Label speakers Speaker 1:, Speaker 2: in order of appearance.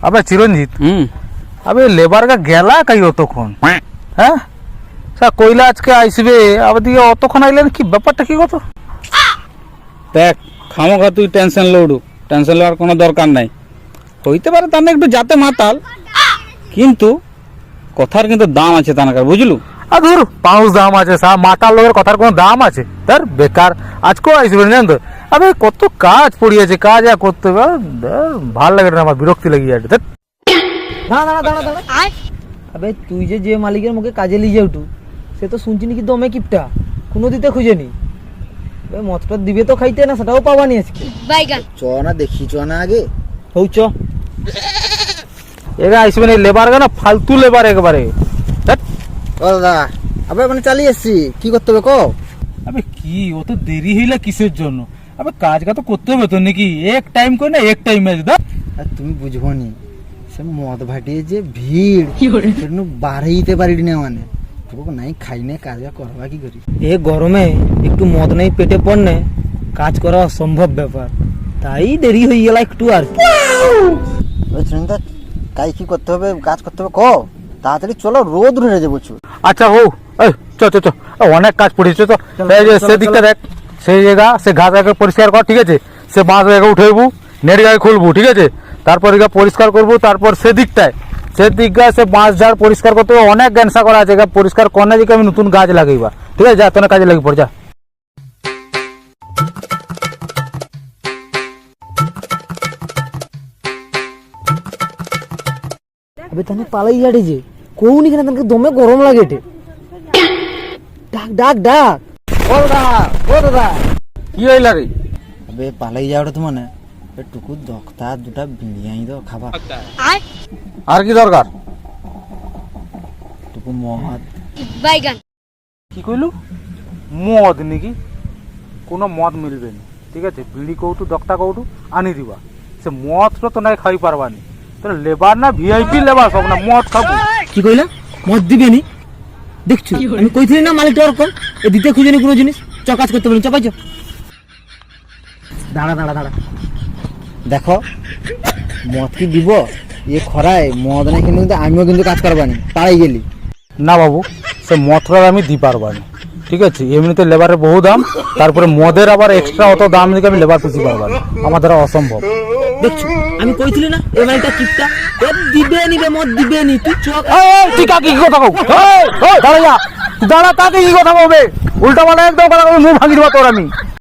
Speaker 1: আবে চিরঞ্জিত আবে লেবার কা গেলা কাই অতক্ষণ হ্যাঁ স্যার কইলা আজকে আইসবে আবার দিকে অতক্ষণ আইলেন কি ব্যাপারটা কি কত
Speaker 2: দেখ খামোখা তুই টেনশন লড়ু টেনশন লওয়ার কোনো দরকার নাই হইতে পারে তার একটু যাতে মাতাল কিন্তু কথার কিন্তু দাম আছে তানাকার বুঝলু
Speaker 1: আর ধর পাউস দাম আছে সা মাতাল লোকের কথার কোনো দাম আছে তার বেকার আজকেও আইসবে জানেন তো আবে কত কাজ পড়িয়েছে কাজ আর করতে হবে ভাল লাগে না আমার বিরক্তি লেগে যাচ্ছে ধ্যাৎ।
Speaker 3: দাঁড়া দাঁড়া দাঁড়া দাঁড়া আবে তুই যে মালিকের মুখে কাজে লিয়ে উঠু সে তো শুনছি নাকি দমে কিপটা কোনো দিতে খুঁজেনি মতটা দিবে তো খাইতে না সেটাও পাবানি আজকে
Speaker 4: চ না দেখি চ না আগে
Speaker 3: হউ চ
Speaker 1: এরা আইসবে না লেবার না ফালতু লেবার একবারে ধ্যাৎ।
Speaker 4: ও দাদা আবে মানে চালিয়ে এসছি কি করতে হবে কো
Speaker 1: আবে কি অত দেরি হইলা কিসের জন্য আবে কাজটা তো করতে হবে তো নাকি এক টাইম করে না এক টাইম আছে দা
Speaker 4: আর তুমি বুঝবো নি সে মদ ভাটিয়ে যে ভিড় সেটা বাড়াইতে পারি না মানে তোকে নাই খাই না কাজ করবা কি করি
Speaker 3: এ গরমে একটু মদ নেই পেটে পড়নে কাজ করা অসম্ভব ব্যাপার তাই দেরি হয়ে গেল একটু আর কি
Speaker 4: চিন্তা কাজ কি করতে হবে কাজ করতে হবে কো তাড়াতাড়ি চলো রোদ উঠে যাবো
Speaker 1: আচ্ছা হো এই চ চ চ অনেক কাজ পড়েছে তো এই যে সেদিকটা দেখ সেই জায়গা সে ঘাস আগে পরিষ্কার কর ঠিক আছে সে বাঁশ জায়গা উঠাইবু নেট গায়ে খুলবু ঠিক আছে তারপর এগা পরিষ্কার করবো তারপর সেদিকটায় সেদিকটা সে বাঁশ ঝাড় পরিষ্কার করতে হবে অনেক গ্যানসা করা আছে এগা পরিষ্কার করনে দিকে আমি নতুন গাছ লাগাইবা ঠিক আছে যা তোর কাজে লাগি পড় যা
Speaker 3: আবে তানে পালাই যাড়ে যে কোউনি কেন তাকে দমে গরম লাগে এটে ডাক ডাক ডাক
Speaker 4: ও দাদা ও দাদা
Speaker 1: কি হইলা রে
Speaker 4: আবে পালাই যাওয়াটা তো মানে টুকু দখতা দুটা বিড়িয়াই দাও খাবা
Speaker 1: আর কি দরকার
Speaker 4: টুকু মদ
Speaker 1: কি কইলু মদ নাকি কোনো মদ মিলবে না ঠিক আছে বিড়ি কৌটু দক্তা কৌটু আনি দিবা সে মদটা তো নাই খাই পারবানি তাহলে লেবার না ভিআইপি লেবার সব না মদ খাবো
Speaker 3: কি কইলা মদ দিবে নি দেখছো আমি কইছিলি না মালিকটা ওরকম এ দিতে খুঁজেনি কোনো জিনিস চ কাজ করতে বলি চাপাই চ দাঁড়া দাঁড়া দাঁড়া
Speaker 4: দেখো মদ কি দিব এ খরায় মদ নাই কিন্তু আমিও কিন্তু কাজ করবানি পাড়াই গেলি
Speaker 1: না বাবু সে মদটা আমি দি পারবানি ঠিক আছে এমনিতে লেবারের বহু দাম তারপরে মদের আবার এক্সট্রা অত দাম দিকে আমি লেবার পুষি পারবানি আমার দ্বারা অসম্ভব
Speaker 3: দেখছো আমি কইছিলি না এ মালিকটা কিপটা এ দিবে নিবে মদ দিবে নি তুই চ
Speaker 1: তুই কাকে কি কথা কও দাঁড়া যা দাঁড়া কাকে কি কথা বলবে উল্টা পাল্টা একদম কথা মুখ ভাঙি দেবো তোর আমি